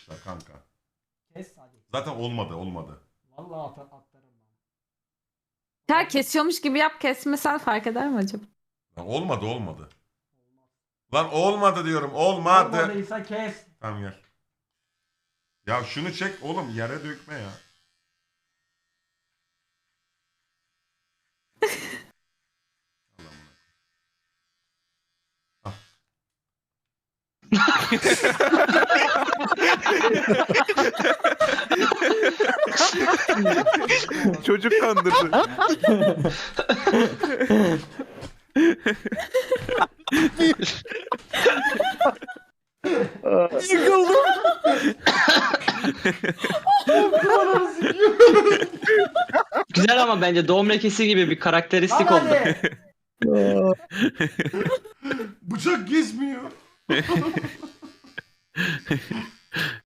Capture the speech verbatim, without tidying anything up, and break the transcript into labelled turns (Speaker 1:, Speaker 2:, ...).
Speaker 1: yapmışlar kanka.
Speaker 2: Kes hadi.
Speaker 1: Zaten olmadı olmadı.
Speaker 2: Vallahi atar atlarım ben.
Speaker 3: Ter kesiyormuş gibi yap, kesmesen fark eder mi acaba?
Speaker 1: Lan olmadı olmadı.
Speaker 2: Olmaz.
Speaker 1: Lan olmadı diyorum olmadı.
Speaker 2: Olmadıysa kes.
Speaker 1: Tamam gel. Ya şunu çek oğlum yere dökme ya. Allah'ım. Ah.
Speaker 4: Çocuk kandırdı. Yıkıldım.
Speaker 5: Güzel ama bence doğum lekesi gibi bir karakteristik
Speaker 2: Lan
Speaker 5: oldu.
Speaker 2: hadi.
Speaker 1: Bıçak gezmiyor.